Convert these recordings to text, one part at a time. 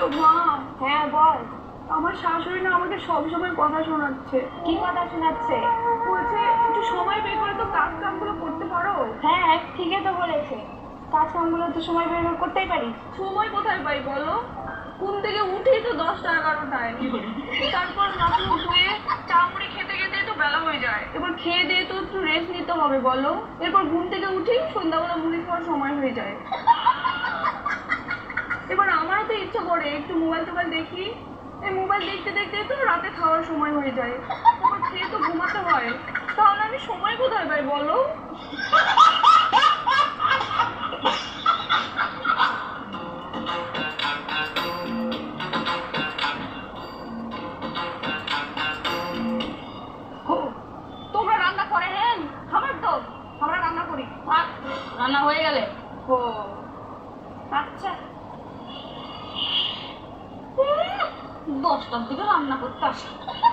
মা, হ্যাঁ বল। আমার শাশুড়ি না আমাকে সবসময় কথা শোনাচ্ছে। কি কথা শোনাচ্ছে? বলছে একটু সময় বের করে তো কাজ কামগুলো করতে পারো। হ্যাঁ ঠিকই তো বলেছে, কাজ কামগুলো তো সময় বের করে করতেই পারিস। সময় কোথায় পাই বলো? ঘুম থেকে উঠেই তো 10টা 11টায়, তারপর হাত মুখ ধুয়ে চা মুড়ি খেতে খেতে তো বেলা হয়ে যায়। এবার খেয়ে দিয়ে তো একটু রেস্ট নিতে হবে বলো। এরপর ঘুম থেকে উঠেই সন্ধ্যাবেলা মুড়ি খাওয়ার সময় হয়ে যায়। এবার আমারও তো ইচ্ছা করে একটু মোবাইল টোবাইল দেখি। এই মোবাইল দেখতে দেখতে তো রাতে খাওয়ার সময় হয়ে যায়। তারপর খেয়ে তো ঘুমাতে হয়। তাহলে আমি সময় কোথায় পাই বলো? তোমরা রান্না করে হেন খাবার তো আমরা রান্না করি। রান্না হয়ে গেলে ও আচ্ছা, 10টার দিকে রান্না করতে আসে।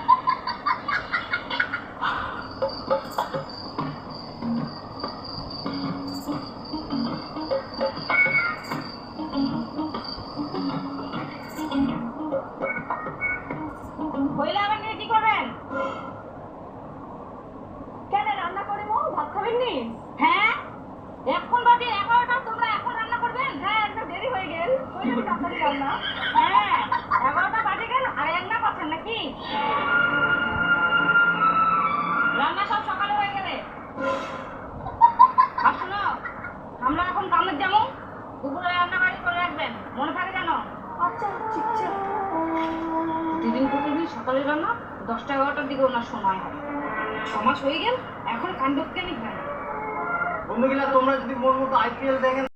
হইলে আবার নিয়ে কি করবেন? কেন রান্না করে মো ভাত খাবেন নি? হ্যাঁ এখন বাজে 11টা, তোমরা এখন রান্না করবেন? হ্যাঁ একটা দেরি হয়ে গেল, ওই জন্য তাড়াতাড়ি রান্না। হ্যাঁ 11টা বাজে গেল আর রান্না করছেন নাকি? রান্না সব সকালে হয়ে গেলে। আর শোনো, আমরা এখন কামের যাবো, দুপুরে রান্না বাড়ি করে রাখবেন, মনে থাকে জানো? আচ্ছা ঠিক আছে। প্রতিদিন সকালে রান্না, 10টা 11টার দিকে ওনার সময় হয়। 6 মাস হয়ে গেল, এখন কাণ্ড কেন হয় না? বন্ধুগুলা তোমরা যদি মন মতো IPL দেখেন